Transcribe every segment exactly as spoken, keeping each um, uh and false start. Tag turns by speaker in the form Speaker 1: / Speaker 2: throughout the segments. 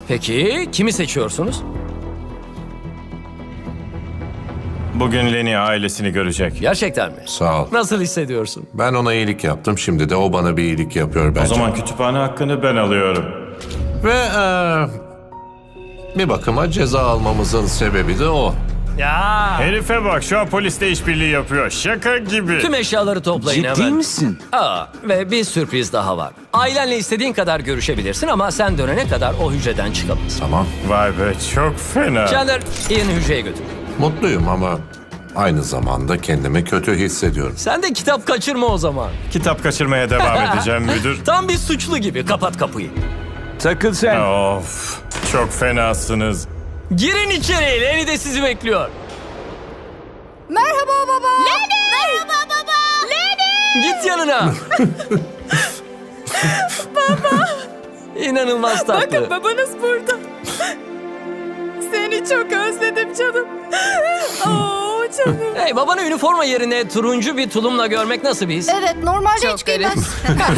Speaker 1: Peki kimi seçiyorsunuz?
Speaker 2: Bugün Lenny ailesini görecek.
Speaker 1: Gerçekten mi?
Speaker 3: Sağ ol.
Speaker 1: Nasıl hissediyorsun?
Speaker 3: Ben ona iyilik yaptım. Şimdi de o bana bir iyilik yapıyor bence.
Speaker 2: O zaman kütüphane hakkını ben alıyorum.
Speaker 3: Ve eee, bir bakıma ceza almamızın sebebi de o.
Speaker 1: Ya.
Speaker 2: Herife bak, şu an polisle işbirliği yapıyor. Şaka gibi.
Speaker 1: Tüm eşyaları toplayın
Speaker 4: Ciddi
Speaker 1: hemen.
Speaker 4: misin?
Speaker 1: Aa, ve bir sürpriz daha var. Ailenle istediğin kadar görüşebilirsin ama sen dönene kadar o hücreden çıkamazsın.
Speaker 3: Tamam.
Speaker 2: Vay be, çok fena.
Speaker 1: Chandler, Ian'ı hücreye götür.
Speaker 3: Mutluyum ama aynı zamanda kendimi kötü hissediyorum.
Speaker 1: Sen de kitap kaçırma o zaman.
Speaker 2: Kitap kaçırmaya devam edeceğim müdür.
Speaker 1: Tam bir suçlu gibi. Kapat kapıyı.
Speaker 4: Takıl sen.
Speaker 2: Of, çok fenasınız.
Speaker 1: Girin içeri. Lenny de sizi bekliyor.
Speaker 5: Merhaba baba. Lenny! Merhaba baba. Lenny!
Speaker 1: Git yanına. Baba. İnanılmaz tatlı.
Speaker 5: Bakın babanız burada. Seni çok özledim canım. Oo canım.
Speaker 1: Hey, babanı üniforma yerine turuncu bir tulumla görmek nasıl bir his?
Speaker 5: Evet normalde hiç giymez.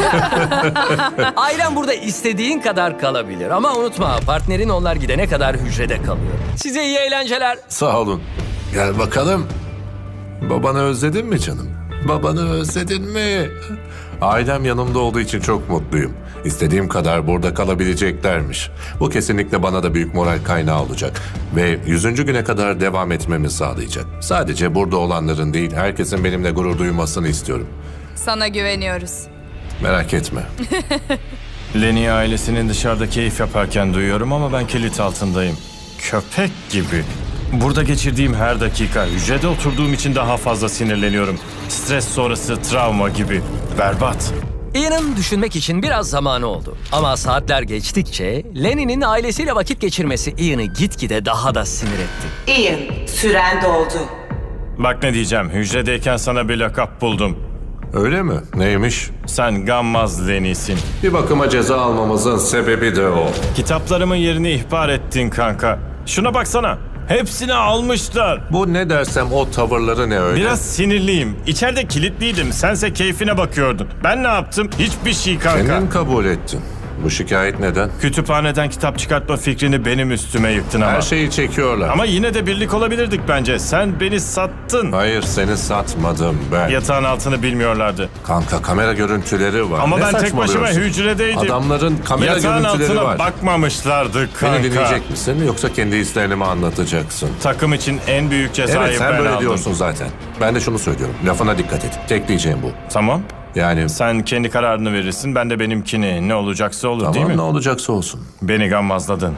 Speaker 1: Ailen burada istediğin kadar kalabilir. Ama unutma, partnerin onlar gidene kadar hücrede kalıyor. Size iyi eğlenceler.
Speaker 3: Sağ olun. Gel bakalım. Babanı özledin mi canım? Babanı özledin mi? Ailem yanımda olduğu için çok mutluyum. İstediğim kadar burada kalabileceklermiş. Bu kesinlikle bana da büyük moral kaynağı olacak. Ve yüzüncü güne kadar devam etmemi sağlayacak. Sadece burada olanların değil, herkesin benimle gurur duymasını istiyorum.
Speaker 5: Sana güveniyoruz.
Speaker 3: Merak etme.
Speaker 2: Lenny ailesinin dışarıda keyif yaparken duyuyorum ama ben kilit altındayım. Köpek gibi. Burada geçirdiğim her dakika, hücrede oturduğum için daha fazla sinirleniyorum. Stres sonrası travma gibi. Berbat.
Speaker 1: Ian'ın düşünmek için biraz zamanı oldu. Ama saatler geçtikçe Lenny'nin ailesiyle vakit geçirmesi Ian'ı gitgide daha da sinir etti.
Speaker 6: Ian, süren doldu.
Speaker 2: Bak ne diyeceğim, hücredeyken sana bir lakap buldum.
Speaker 3: Öyle mi? Neymiş?
Speaker 2: Sen gammaz Lenny'sin.
Speaker 3: Bir bakıma ceza almamızın sebebi de o.
Speaker 2: Kitaplarımın yerini ihbar ettin kanka. Şuna baksana. Hepsini almışlar.
Speaker 3: Bu ne dersem o tavırları ne öyle?
Speaker 2: Biraz sinirliyim. İçeride kilitliydim. Sense keyfine bakıyordun. Ben ne yaptım? Hiçbir şey kanka.
Speaker 3: Kendin kabul ettin. Bu şikayet neden?
Speaker 2: Kütüphaneden kitap çıkartma fikrini benim üstüme yıktın ama.
Speaker 3: Her şeyi çekiyorlar.
Speaker 2: Ama yine de birlik olabilirdik bence. Sen beni sattın.
Speaker 3: Hayır, seni satmadım ben.
Speaker 2: Yatağın altını bilmiyorlardı.
Speaker 3: Kanka, kamera görüntüleri var.
Speaker 2: Ama
Speaker 3: Ne
Speaker 2: ben tek başıma
Speaker 3: saçmalıyorsun?
Speaker 2: hücredeydim.
Speaker 3: Adamların kamera
Speaker 2: Yatağın
Speaker 3: görüntüleri
Speaker 2: altına
Speaker 3: var.
Speaker 2: bakmamışlardı kanka.
Speaker 3: Beni dinleyecek misin yoksa kendi hislerini mi anlatacaksın?
Speaker 2: Takım için en büyük cezayı
Speaker 3: Evet, sen
Speaker 2: ben
Speaker 3: böyle
Speaker 2: aldım.
Speaker 3: diyorsun zaten. Ben de şunu söylüyorum. Lafına dikkat et. Tek diyeceğim bu.
Speaker 2: Tamam.
Speaker 3: Yani
Speaker 2: Sen kendi kararını verirsin. Ben de benimkini. Ne olacaksa olur değil
Speaker 3: tamam,
Speaker 2: mi?
Speaker 3: ne olacaksa olsun.
Speaker 2: Beni gammazladın.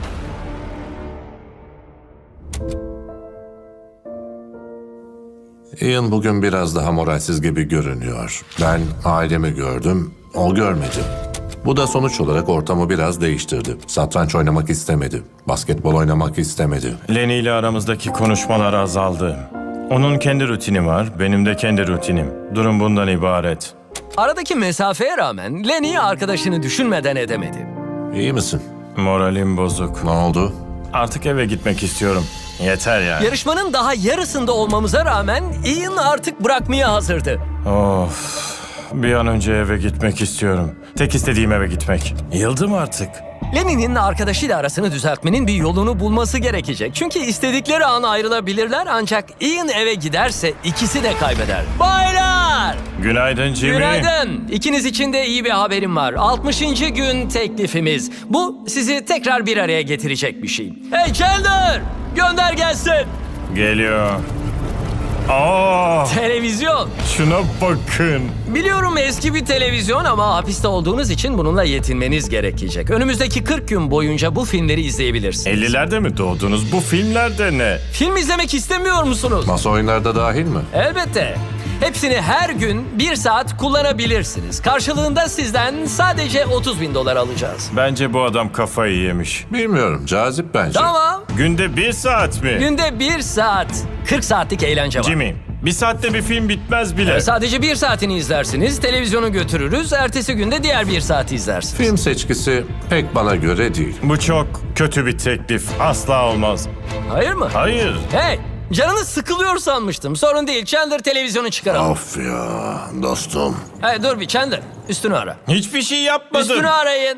Speaker 3: Ian bugün biraz daha moralsiz gibi görünüyor. Ben ailemi gördüm, o görmedi. Bu da sonuç olarak ortamı biraz değiştirdi. Satranç oynamak istemedi. Basketbol oynamak istemedi.
Speaker 2: Lenny ile aramızdaki konuşmalar azaldı. Onun kendi rutini var, benim de kendi rutinim. Durum bundan ibaret.
Speaker 1: Aradaki mesafeye rağmen Lenny arkadaşını düşünmeden edemedi.
Speaker 3: İyi misin?
Speaker 2: Moralim bozuk.
Speaker 3: Ne oldu?
Speaker 2: Artık eve gitmek istiyorum. Yeter yani.
Speaker 1: Yarışmanın daha yarısında olmamıza rağmen Ian artık bırakmaya hazırdı.
Speaker 2: Of. Bir an önce eve gitmek istiyorum. Tek istediğim eve gitmek. Yıldım artık.
Speaker 1: Lenny'nin arkadaşıyla arasını düzeltmenin bir yolunu bulması gerekecek. Çünkü istedikleri an ayrılabilirler ancak Ian eve giderse ikisi de kaybeder. Baylar!
Speaker 2: Günaydın Jimmy.
Speaker 1: Günaydın. İkiniz için de iyi bir haberim var. altmışıncı gün teklifimiz. Bu sizi tekrar bir araya getirecek bir şey. Hey Chandler! Gönder gelsin.
Speaker 2: Geliyor. Aa,
Speaker 1: Televizyon.
Speaker 2: şuna bakın.
Speaker 1: Biliyorum eski bir televizyon ama hapiste olduğunuz için bununla yetinmeniz gerekecek. Önümüzdeki kırk gün boyunca bu filmleri izleyebilirsiniz.
Speaker 2: ellilerde mi doğdunuz? Bu filmlerde ne?
Speaker 1: Film izlemek istemiyor musunuz?
Speaker 3: Masa oyunlarda dahil mi?
Speaker 1: Elbette. Hepsini her gün bir saat kullanabilirsiniz. Karşılığında sizden sadece otuz bin dolar alacağız.
Speaker 2: Bence bu adam kafayı yemiş.
Speaker 3: Bilmiyorum, cazip bence.
Speaker 1: Tamam.
Speaker 2: Günde bir saat mi?
Speaker 1: Günde bir saat. kırk saatlik eğlence var.
Speaker 2: Jimmy, bir saatte bir film bitmez bile.
Speaker 1: Sadece bir saatini izlersiniz, televizyonu götürürüz, ertesi günde diğer bir saati izlersiniz.
Speaker 3: Film seçkisi pek bana göre değil.
Speaker 2: Bu çok kötü bir teklif. Asla olmaz.
Speaker 1: Hayır mı?
Speaker 2: Hayır.
Speaker 1: Hey, canınız sıkılıyor sanmıştım. Sorun değil, Chandler televizyonu çıkaralım.
Speaker 3: Of ya dostum.
Speaker 1: Hey, dur bir Chandler, üstünü ara.
Speaker 2: Hiçbir şey yapmadım.
Speaker 1: Üstünü arayın.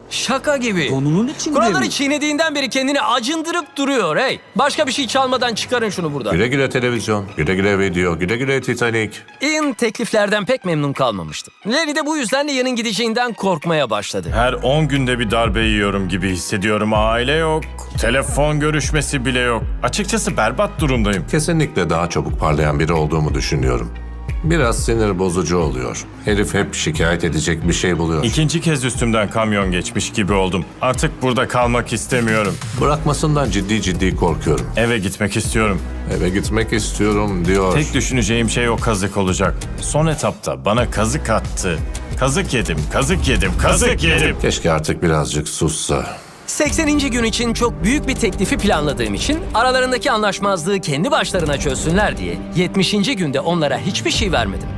Speaker 1: Şaka gibi.
Speaker 4: Donunun içinde
Speaker 1: Kuralları
Speaker 4: mi?
Speaker 1: çiğnediğinden beri kendini acındırıp duruyor. Hey, başka bir şey çalmadan çıkarın şunu buradan.
Speaker 3: Güle güle televizyon, güle güle video, güle güle Titanic.
Speaker 1: Ian tekliflerden pek memnun kalmamıştı. Larry de bu yüzden Ian'ın gideceğinden korkmaya başladı.
Speaker 2: Her on günde bir darbe yiyorum gibi hissediyorum. Aile yok, telefon görüşmesi bile yok. Açıkçası berbat durumdayım.
Speaker 3: Kesinlikle daha çabuk parlayan biri olduğumu düşünüyorum. Biraz sinir bozucu oluyor. Herif hep şikayet edecek bir şey buluyor.
Speaker 2: İkinci kez üstümden kamyon geçmiş gibi oldum. Artık burada kalmak istemiyorum.
Speaker 3: Bırakmasından ciddi ciddi korkuyorum.
Speaker 2: Eve gitmek istiyorum.
Speaker 3: Eve gitmek istiyorum diyor.
Speaker 2: Tek düşüneceğim şey o kazık olacak. Son etapta bana kazık attı. Kazık yedim, kazık yedim, kazık yedim.
Speaker 3: Keşke artık birazcık sussa.
Speaker 1: sekseninci gün için çok büyük bir teklifi planladığım için aralarındaki anlaşmazlığı kendi başlarına çözsünler diye yetmişinci günde onlara hiçbir şey vermedim.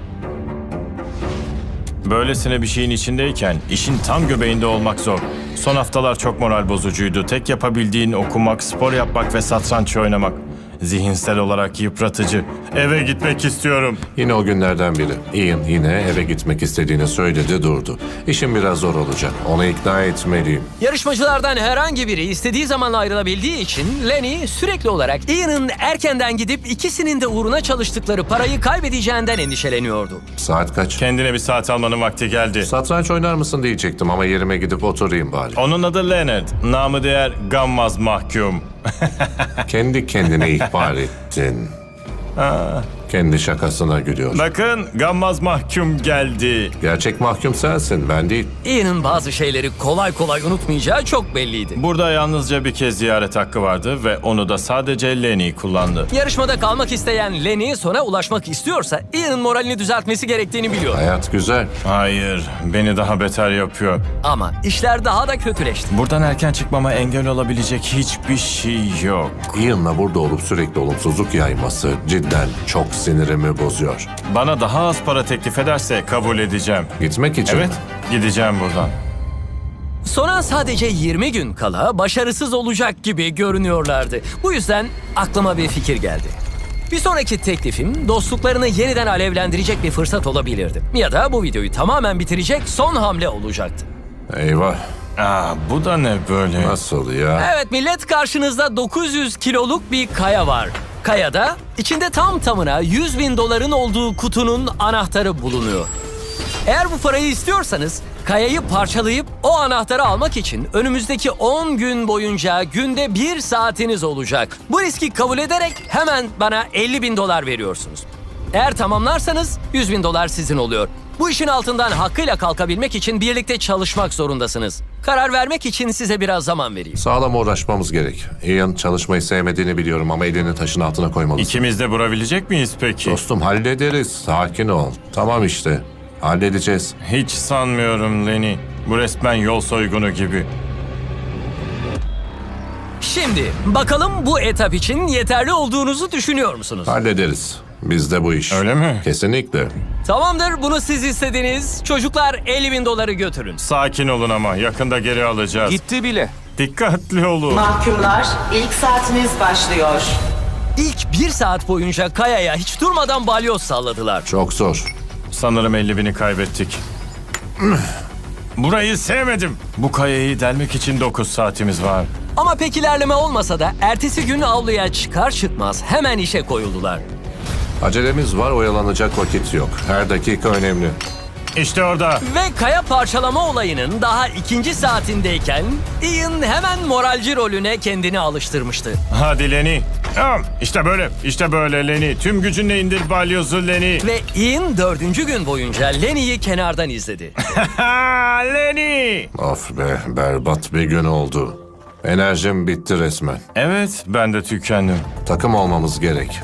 Speaker 2: Böylesine bir şeyin içindeyken işin tam göbeğinde olmak zor. Son haftalar çok moral bozucuydu. Tek yapabildiğin okumak, spor yapmak ve satranç oynamak. Zihinsel olarak yıpratıcı. Eve gitmek istiyorum.
Speaker 3: Yine o günlerden biri. Ian yine eve gitmek istediğini söyledi durdu. İşim biraz zor olacak. Onu ikna etmeliyim.
Speaker 1: Yarışmacılardan herhangi biri istediği zaman ayrılabildiği için Lenny sürekli olarak Ian'ın erkenden gidip ikisinin de uğruna çalıştıkları parayı kaybedeceğinden endişeleniyordu.
Speaker 3: Saat kaç?
Speaker 2: Kendine bir saat almanın vakti geldi.
Speaker 3: Satranç oynar mısın diyecektim ama yerime gidip oturayım bari.
Speaker 2: Onun adı Leonard. Namı değer gammaz mahkum.
Speaker 3: Kendi kendine ihbar ettin. Kendi şakasına gülüyor.
Speaker 2: Bakın gammaz mahkum geldi.
Speaker 3: Gerçek mahkum sensin, ben değil.
Speaker 1: Ian'ın bazı şeyleri kolay kolay unutmayacağı çok belliydi.
Speaker 2: Burada yalnızca bir kez ziyaret hakkı vardı ve onu da sadece Lenny kullandı.
Speaker 1: Yarışmada kalmak isteyen Lenny sona ulaşmak istiyorsa Ian'ın moralini düzeltmesi gerektiğini biliyor.
Speaker 3: Hayat güzel.
Speaker 2: Hayır, beni daha beter yapıyor.
Speaker 1: Ama işler daha da kötüleşti.
Speaker 2: Buradan erken çıkmama engel olabilecek hiçbir şey yok.
Speaker 3: Ian'la burada olup sürekli olumsuzluk yayması cidden çok sinirimi bozuyor.
Speaker 2: Bana daha az para teklif ederse kabul edeceğim.
Speaker 3: Gitmek için
Speaker 2: Evet,
Speaker 3: mi?
Speaker 2: gideceğim buradan.
Speaker 1: Sona sadece yirmi gün kala başarısız olacak gibi görünüyorlardı. Bu yüzden aklıma bir fikir geldi. Bir sonraki teklifim dostluklarını yeniden alevlendirecek bir fırsat olabilirdi. Ya da bu videoyu tamamen bitirecek son hamle olacaktı.
Speaker 3: Eyvah.
Speaker 2: Aa, bu da ne böyle?
Speaker 3: Nasıl ya?
Speaker 1: Evet millet, karşınızda dokuz yüz kiloluk bir kaya var. Kayada içinde tam tamına yüz bin doların olduğu kutunun anahtarı bulunuyor. Eğer bu parayı istiyorsanız kayayı parçalayıp o anahtarı almak için önümüzdeki on gün boyunca günde bir saatiniz olacak. Bu riski kabul ederek hemen bana elli bin dolar veriyorsunuz. Eğer tamamlarsanız yüz bin dolar sizin oluyor. Bu işin altından hakkıyla kalkabilmek için birlikte çalışmak zorundasınız. Karar vermek için size biraz zaman vereyim.
Speaker 3: Sağlam uğraşmamız gerek. Ian çalışmayı sevmediğini biliyorum ama elini taşın altına koymalısın.
Speaker 2: İkimiz de vurabilecek miyiz peki?
Speaker 3: Dostum hallederiz. Sakin ol. Tamam işte. Halledeceğiz.
Speaker 2: Hiç sanmıyorum Lenny. Bu resmen yol soygunu gibi.
Speaker 1: Şimdi bakalım bu etap için yeterli olduğunuzu düşünüyor musunuz?
Speaker 3: Hallederiz. Bizde bu iş.
Speaker 2: Öyle mi?
Speaker 3: Kesinlikle.
Speaker 1: Tamamdır, bunu siz istediniz. Çocuklar elli bin doları götürün.
Speaker 2: Sakin olun ama yakında geri alacağız.
Speaker 4: Gitti bile.
Speaker 2: Dikkatli olun.
Speaker 6: Mahkumlar, ilk saatiniz başlıyor.
Speaker 1: İlk bir saat boyunca kayaya hiç durmadan balyoz salladılar.
Speaker 3: Çok zor.
Speaker 2: Sanırım elli bini kaybettik. Burayı sevmedim. Bu kayayı delmek için dokuz saatimiz var.
Speaker 1: Ama pek ilerleme olmasa da ertesi gün avluya çıkar çıkmaz hemen işe koyuldular.
Speaker 3: Acelemiz var, oyalanacak vakit yok. Her dakika önemli.
Speaker 2: İşte orada.
Speaker 1: Ve kaya parçalama olayının daha ikinci saatindeyken Ian hemen moralci rolüne kendini alıştırmıştı.
Speaker 2: Hadi Lenny. Tamam. İşte böyle. İşte böyle Lenny. Tüm gücünle indir balyozu Lenny.
Speaker 1: Ve Ian dördüncü gün boyunca Lenny'yi kenardan izledi.
Speaker 2: Ha Lenny.
Speaker 3: Of be, berbat bir gün oldu. Enerjim bitti resmen.
Speaker 2: Evet, ben de tükendim.
Speaker 3: Takım olmamız gerek.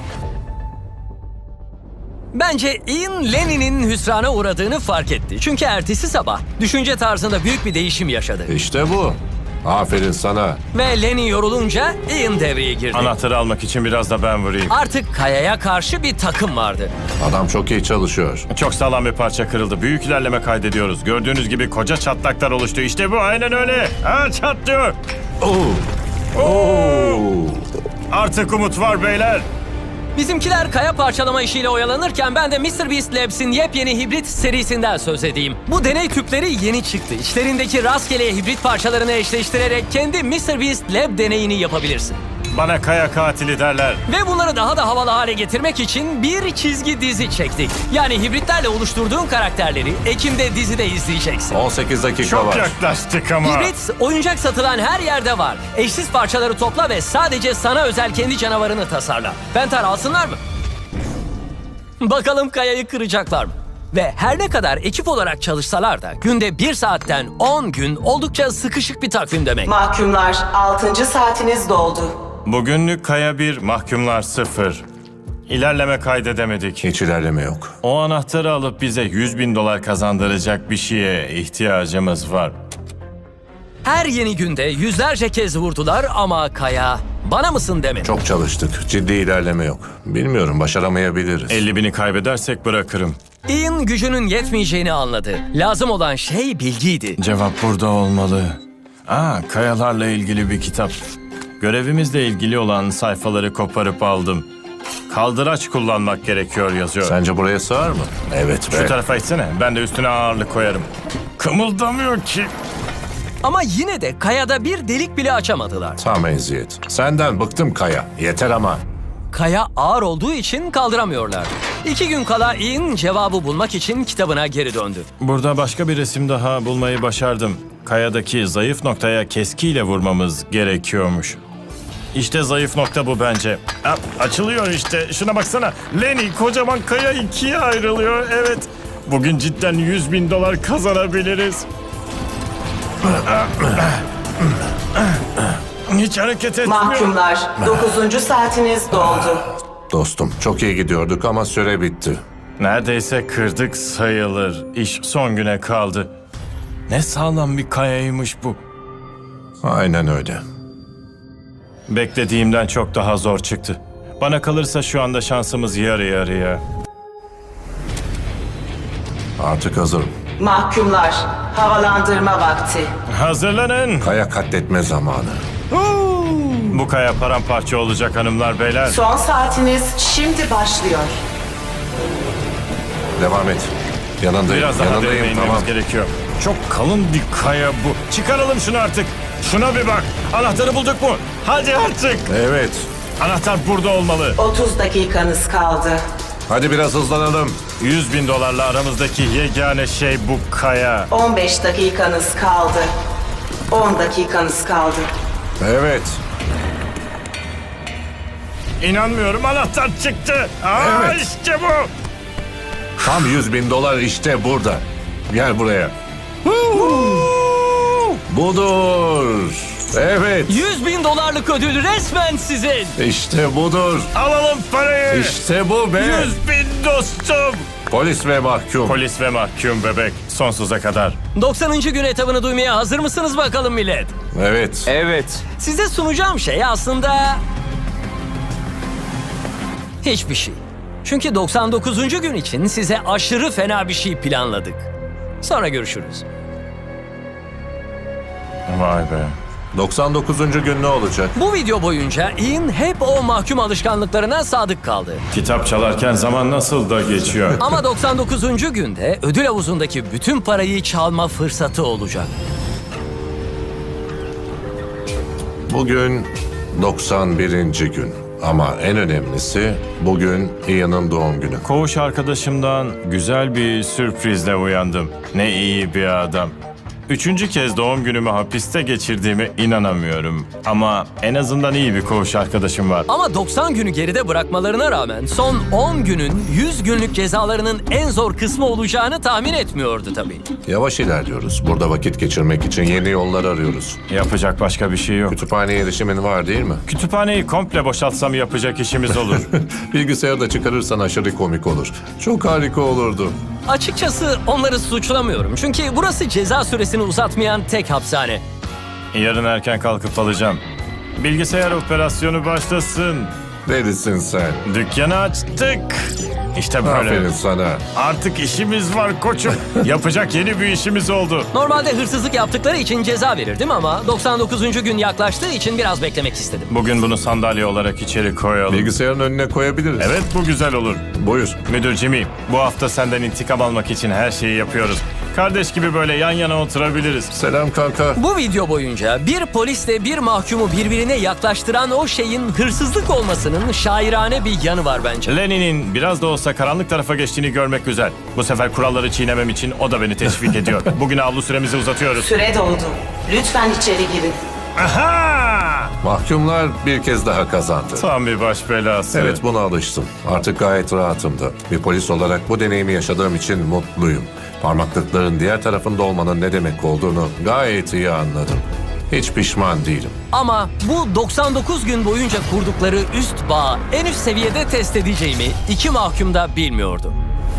Speaker 1: Bence Ian Lenny'nin hüsrana uğradığını fark etti. Çünkü ertesi sabah düşünce tarzında büyük bir değişim yaşadı.
Speaker 3: İşte bu. Aferin sana.
Speaker 1: Ve Lenny yorulunca Ian devreye girdi.
Speaker 2: Anahtarı almak için biraz da ben vurayım.
Speaker 1: Artık kayaya karşı bir takım vardı.
Speaker 3: Adam çok iyi çalışıyor.
Speaker 2: Çok sağlam bir parça kırıldı. Büyük ilerleme kaydediyoruz. Gördüğünüz gibi koca çatlaklar oluştu. İşte bu, aynen öyle. Ha, çatlıyor.
Speaker 3: Oo. Oo.
Speaker 2: Artık umut var beyler.
Speaker 1: Bizimkiler kaya parçalama işiyle oyalanırken ben de MrBeast Labs'in yepyeni hibrit serisinden söz edeyim. Bu deney tüpleri yeni çıktı. İçlerindeki rastgele hibrit parçalarını eşleştirerek kendi MrBeast Lab deneyini yapabilirsin.
Speaker 2: Bana kaya katili derler.
Speaker 1: Ve bunları daha da havalı hale getirmek için bir çizgi dizi çektik. Yani hibritlerle oluşturduğun karakterleri Ekim'de dizide izleyeceksin.
Speaker 3: on sekiz dakika
Speaker 2: Çok
Speaker 3: var.
Speaker 2: yaklaştık ama.
Speaker 1: Hibrit oyuncak satılan her yerde var. Eşsiz parçaları topla ve sadece sana özel kendi canavarını tasarla. Pentar alsınlar mı? Bakalım kayayı kıracaklar mı? Ve her ne kadar ekip olarak çalışsalar da günde bir saatten on gün oldukça sıkışık bir takvim demek.
Speaker 6: Mahkumlar, altıncı saatiniz doldu.
Speaker 2: Bugünlük kaya bir, mahkumlar sıfır. İlerleme kaydedemedik.
Speaker 3: Hiç ilerleme yok.
Speaker 2: O anahtarı alıp bize yüz bin dolar kazandıracak bir şeye ihtiyacımız var.
Speaker 1: Her yeni günde yüzlerce kez vurdular ama kaya bana mısın demedi.
Speaker 3: Çok çalıştık. Ciddi ilerleme yok. Bilmiyorum, başaramayabiliriz.
Speaker 2: elli bini kaybedersek bırakırım.
Speaker 1: Ian gücünün yetmeyeceğini anladı. Lazım olan şey bilgiydi.
Speaker 2: Cevap burada olmalı. Aa, kayalarla ilgili bir kitap. Görevimizle ilgili olan sayfaları koparıp aldım. Kaldıraç kullanmak gerekiyor yazıyor.
Speaker 3: Sence buraya sığar mı? Evet be.
Speaker 2: Şu tarafa itsene. Ben de üstüne ağırlık koyarım. Kımıldamıyor ki.
Speaker 1: Ama yine de kayada bir delik bile açamadılar.
Speaker 3: Tam eziyet. Senden bıktım Kaya. Yeter ama.
Speaker 1: Kaya ağır olduğu için kaldıramıyorlar. İki gün kala Ian cevabı bulmak için kitabına geri döndü.
Speaker 2: Burada başka bir resim daha bulmayı başardım. Kayadaki zayıf noktaya keskiyle vurmamız gerekiyormuş. İşte zayıf nokta bu bence. Ha, açılıyor işte. Şuna baksana. Lenny, kocaman kaya ikiye ayrılıyor. Evet. Bugün cidden yüz bin dolar kazanabiliriz. Hiç hareket etmiyor.
Speaker 6: Mahkumlar, dokuzuncu saatiniz doldu.
Speaker 3: Dostum, çok iyi gidiyorduk ama süre bitti.
Speaker 2: Neredeyse kırdık sayılır. İş son güne kaldı. Ne sağlam bir kayaymış bu.
Speaker 3: Aynen öyle.
Speaker 2: Beklediğimden çok daha zor çıktı. Bana kalırsa şu anda şansımız yarı yarıya.
Speaker 3: Artık hazırım.
Speaker 6: Mahkumlar, havalandırma vakti.
Speaker 2: Hazırlanın.
Speaker 3: Kaya katletme zamanı.
Speaker 2: Bu kaya paramparça olacak hanımlar beyler.
Speaker 6: Son saatiniz şimdi başlıyor.
Speaker 3: Devam et. Yanındayım.
Speaker 2: Biraz daha derine
Speaker 3: Yanındayım.
Speaker 2: inmemiz
Speaker 3: Tamam.
Speaker 2: gerekiyor. Çok kalın bir kaya bu. Çıkaralım şunu artık. Şuna bir bak. Anahtarı bulduk mu? Hadi artık.
Speaker 3: Evet.
Speaker 2: Anahtar burada olmalı.
Speaker 6: otuz dakikanız kaldı.
Speaker 3: Hadi biraz hızlanalım.
Speaker 2: yüz bin dolarla aramızdaki yegane şey bu kaya.
Speaker 6: on beş dakikanız kaldı. on dakikanız kaldı.
Speaker 3: Evet.
Speaker 2: İnanmıyorum, anahtar çıktı. Aa,
Speaker 3: Evet.
Speaker 2: işte bu.
Speaker 3: Tam yüz bin dolar işte burada. Gel buraya. Budur. Evet.
Speaker 1: yüz bin dolarlık ödül resmen sizin.
Speaker 3: İşte budur.
Speaker 2: Alalım parayı.
Speaker 3: İşte bu be.
Speaker 2: yüz bin dostum.
Speaker 3: Polis ve mahkum.
Speaker 2: Polis ve mahkum bebek sonsuza kadar.
Speaker 1: doksanıncı gün etabını duymaya hazır mısınız bakalım millet?
Speaker 3: Evet.
Speaker 1: Evet. Size sunacağım şey aslında... hiçbir şey. Çünkü doksan dokuzuncu gün için size aşırı fena bir şey planladık. Sonra görüşürüz.
Speaker 2: Vay be.
Speaker 3: doksan dokuzuncu gün ne olacak?
Speaker 1: Bu video boyunca Ian hep o mahkum alışkanlıklarına sadık kaldı.
Speaker 2: Kitap çalarken zaman nasıl da geçiyor.
Speaker 1: Ama doksan dokuzuncu günde ödül havuzundaki bütün parayı çalma fırsatı olacak.
Speaker 3: Bugün doksan birinci gün. Ama en önemlisi bugün Ian'ın doğum günü.
Speaker 2: Koğuş arkadaşımdan güzel bir sürprizle uyandım. Ne iyi bir adam. Üçüncü kez doğum günümü hapiste geçirdiğime inanamıyorum. Ama en azından iyi bir koğuş arkadaşım var.
Speaker 1: Ama doksan günü geride bırakmalarına rağmen son on günün yüz günlük cezalarının en zor kısmı olacağını tahmin etmiyordu tabii.
Speaker 3: Yavaş ilerliyoruz. Burada vakit geçirmek için yeni yollar arıyoruz.
Speaker 2: Yapacak başka bir şey yok.
Speaker 3: Kütüphaneye erişimin var değil mi?
Speaker 2: Kütüphaneyi komple boşaltsam yapacak işimiz olur.
Speaker 3: Bilgisayarı da çıkarırsan aşırı komik olur. Çok harika olurdu.
Speaker 1: Açıkçası onları suçlamıyorum. Çünkü burası ceza süresini uzatmayan tek hapishane.
Speaker 2: Yarın erken kalkıp alacağım. Bilgisayar operasyonu başlasın.
Speaker 3: Delisin sen.
Speaker 2: Dükkanı açtık. İşte böyle.
Speaker 3: Aferin sana.
Speaker 2: Artık işimiz var koçum. Yapacak yeni bir işimiz oldu.
Speaker 1: Normalde hırsızlık yaptıkları için ceza verirdim ama doksan dokuzuncu gün yaklaştığı için biraz beklemek istedim.
Speaker 2: Bugün bunu sandalye olarak içeri koyalım.
Speaker 3: Bilgisayarın önüne koyabiliriz.
Speaker 2: Evet, bu güzel olur.
Speaker 3: Buyur.
Speaker 2: Müdür Jimmy, bu hafta senden intikam almak için her şeyi yapıyoruz. Kardeş gibi böyle yan yana oturabiliriz.
Speaker 3: Selam kanka.
Speaker 1: Bu video boyunca bir polisle bir mahkumu birbirine yaklaştıran o şeyin hırsızlık olmasının şairane bir yanı var bence.
Speaker 2: Lenny'nin biraz da olsa karanlık tarafa geçtiğini görmek güzel. Bu sefer kuralları çiğnemem için o da beni teşvik ediyor. Bugün avlu süremizi uzatıyoruz.
Speaker 6: Süre doldu. Lütfen içeri girin.
Speaker 2: Aha!
Speaker 3: Mahkumlar bir kez daha kazandı.
Speaker 2: Tam bir baş belası.
Speaker 3: Evet, buna alıştım. Artık gayet rahatımdı. Bir polis olarak bu deneyimi yaşadığım için mutluyum. Parmaklıkların diğer tarafında olmanın ne demek olduğunu gayet iyi anladım. Hiç pişman değilim.
Speaker 1: Ama bu doksan dokuz gün boyunca kurdukları üst bağı en üst seviyede test edeceğimi iki mahkum da bilmiyordu.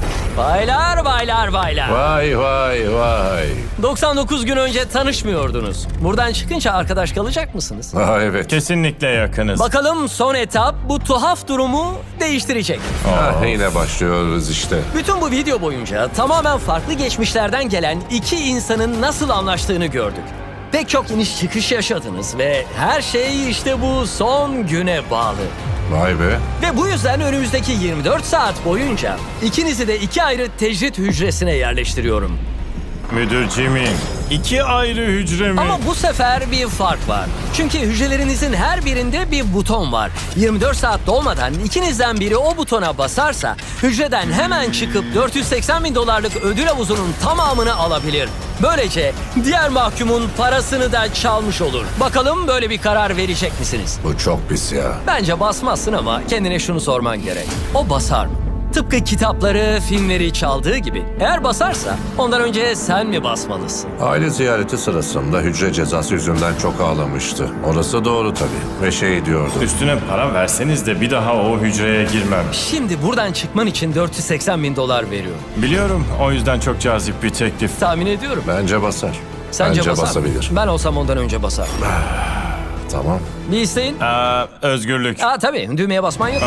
Speaker 1: Baylar baylar baylar.
Speaker 3: Vay vay vay.
Speaker 1: doksan dokuz gün önce tanışmıyordunuz. Buradan çıkınca arkadaş kalacak mısınız?
Speaker 3: Ha evet.
Speaker 2: Kesinlikle yakınız.
Speaker 1: Bakalım son etap bu tuhaf durumu değiştirecek.
Speaker 3: Ha, yine başlıyoruz işte.
Speaker 1: Bütün bu video boyunca tamamen farklı geçmişlerden gelen iki insanın nasıl anlaştığını gördük. Pek çok iniş çıkış yaşadınız ve her şey işte bu son güne bağlı.
Speaker 3: Vay be.
Speaker 1: Ve bu yüzden önümüzdeki yirmi dört saat boyunca ikinizi de iki ayrı tecrit hücresine yerleştiriyorum.
Speaker 2: Müdür Jimmy, iki ayrı hücre mi?
Speaker 1: Ama bu sefer bir fark var. Çünkü hücrelerinizin her birinde bir buton var. yirmi dört saat dolmadan ikinizden biri o butona basarsa hücreden hemen çıkıp dört yüz seksen bin dolarlık ödül havuzunun tamamını alabilir. Böylece diğer mahkumun parasını da çalmış olur. Bakalım böyle bir karar verecek misiniz?
Speaker 3: Bu çok pis ya.
Speaker 1: Bence basmazsın ama kendine şunu sorman gerek. O basar mı? Tıpkı kitapları, filmleri çaldığı gibi. Eğer basarsa ondan önce sen mi basmalısın?
Speaker 3: Aile ziyareti sırasında hücre cezası yüzünden çok ağlamıştı. Orası doğru tabii. Ve şey diyordu.
Speaker 2: Üstüne para verseniz de bir daha o hücreye girmem.
Speaker 1: Şimdi buradan çıkman için dört yüz seksen bin dolar veriyor.
Speaker 2: Biliyorum, o yüzden çok cazip bir teklif.
Speaker 1: Tahmin ediyorum.
Speaker 3: Bence basar.
Speaker 1: Sence
Speaker 3: Bence
Speaker 1: basar mı?
Speaker 3: basabilir.
Speaker 1: Ben olsam ondan önce basar.
Speaker 3: Tamam.
Speaker 1: Bir isteğin?
Speaker 2: Aa, özgürlük.
Speaker 1: Aa tabii düğmeye basman yok.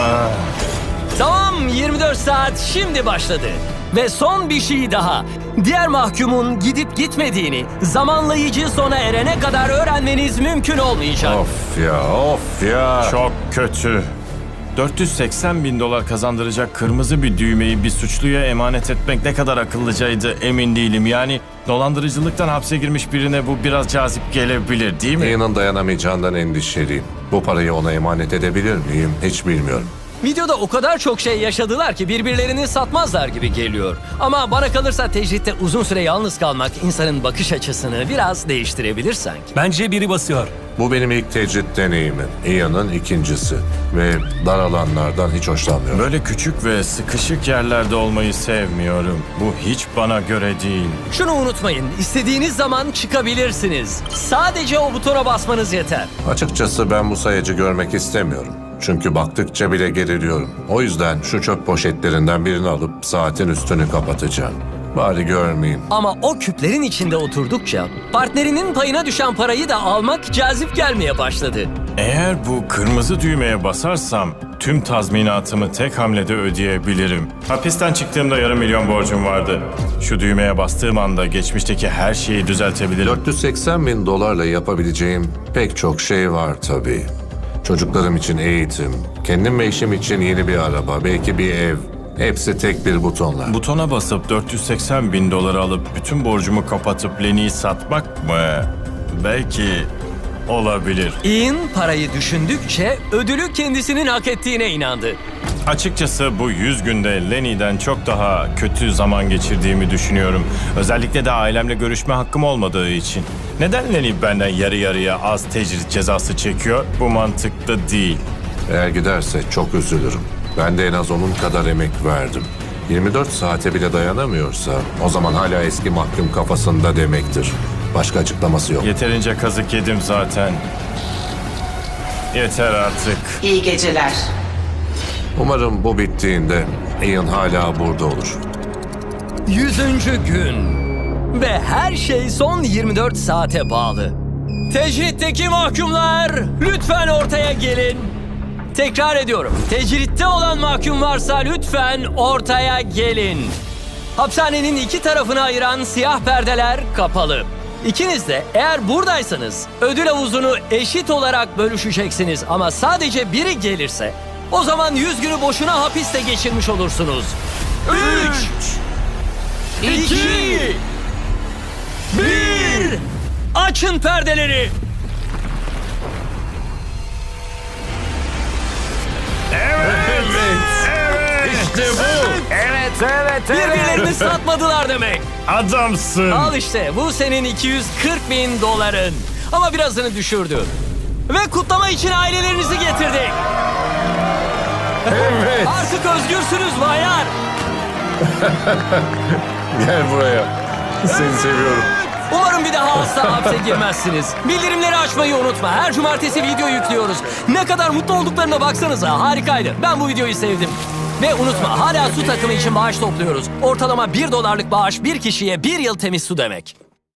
Speaker 1: Tamam yirmi dört saat şimdi başladı. Ve son bir şey daha. Diğer mahkumun gidip gitmediğini zamanlayıcı sona erene kadar öğrenmeniz mümkün olmayacak.
Speaker 3: Of ya, of ya.
Speaker 2: Çok kötü. dört yüz seksen bin dolar kazandıracak kırmızı bir düğmeyi bir suçluya emanet etmek ne kadar akıllıcaydı emin değilim. Yani dolandırıcılıktan hapse girmiş birine bu biraz cazip gelebilir değil mi?
Speaker 3: Ian'ın dayanamayacağından endişeliyim. Bu parayı ona emanet edebilir miyim hiç bilmiyorum.
Speaker 1: Videoda o kadar çok şey yaşadılar ki birbirlerini satmazlar gibi geliyor. Ama bana kalırsa tecritte uzun süre yalnız kalmak insanın bakış açısını biraz değiştirebilir sanki.
Speaker 4: Bence biri basıyor.
Speaker 3: Bu benim ilk tecrit deneyimim. Ian'ın ikincisi. Ve dar alanlardan hiç hoşlanmıyorum.
Speaker 2: Böyle küçük ve sıkışık yerlerde olmayı sevmiyorum. Bu hiç bana göre değil.
Speaker 1: Şunu unutmayın, istediğiniz zaman çıkabilirsiniz. Sadece o butona basmanız yeter.
Speaker 3: Açıkçası ben bu sayacı görmek istemiyorum. Çünkü baktıkça bile geriliyorum. O yüzden şu çöp poşetlerinden birini alıp saatin üstünü kapatacağım. Bari görmeyeyim.
Speaker 1: Ama o küplerin içinde oturdukça partnerinin payına düşen parayı da almak cazip gelmeye başladı.
Speaker 2: Eğer bu kırmızı düğmeye basarsam tüm tazminatımı tek hamlede ödeyebilirim. Hapisten çıktığımda yarım milyon borcum vardı. Şu düğmeye bastığım anda geçmişteki her şeyi düzeltebilirim.
Speaker 3: dört yüz seksen bin dolarla yapabileceğim pek çok şey var tabii. Çocuklarım için eğitim, kendim ve eşim için yeni bir araba, belki bir ev. Hepsi tek bir butonla.
Speaker 2: Butona basıp dört yüz seksen bin doları alıp bütün borcumu kapatıp Lenny'i satmak mı? Belki olabilir.
Speaker 1: Ian parayı düşündükçe ödülü kendisinin hak ettiğine inandı.
Speaker 2: Açıkçası bu yüz günde Lenny'den çok daha kötü zaman geçirdiğimi düşünüyorum. Özellikle de ailemle görüşme hakkım olmadığı için. Neden Lenny benden yarı yarıya az tecrit cezası çekiyor? Bu mantıklı değil.
Speaker 3: Eğer giderse çok üzülürüm. Ben de en az onun kadar emek verdim. yirmi dört saate bile dayanamıyorsa o zaman hala eski mahkum kafasında demektir. Başka açıklaması yok.
Speaker 2: Yeterince kazık yedim zaten. Yeter artık.
Speaker 6: İyi geceler.
Speaker 3: Umarım bu bittiğinde Ian hala burada olur.
Speaker 1: Yüzüncü gün. Ve her şey son yirmi dört saate bağlı. Tecritteki mahkumlar lütfen ortaya gelin. Tekrar ediyorum. Tecritte olan mahkum varsa lütfen ortaya gelin. Hapishanenin iki tarafını ayıran siyah perdeler kapalı. İkiniz de eğer buradaysanız ödül havuzunu eşit olarak bölüşeceksiniz. Ama sadece biri gelirse o zaman yüz günü boşuna hapiste geçirmiş olursunuz. Üç, iki, bir. Açın perdeleri.
Speaker 2: İşte bu.
Speaker 1: Evet, evet, birbirlerini satmadılar demek.
Speaker 2: Adamsın.
Speaker 1: Al işte, bu senin iki yüz kırk bin doların. Ama birazını düşürdü. Ve kutlama için ailelerinizi getirdik.
Speaker 3: Evet.
Speaker 1: Artık özgürsünüz baylar.
Speaker 3: Gel buraya. Seni seviyorum.
Speaker 1: Umarım bir daha asla hapse girmezsiniz. Bildirimleri açmayı unutma. Her cumartesi video yüklüyoruz. Ne kadar mutlu olduklarına baksanıza. Harikaydı. Ben bu videoyu sevdim. Ve unutma, hala su takımı için bağış topluyoruz. Ortalama bir dolarlık bağış bir kişiye bir yıl temiz su demek.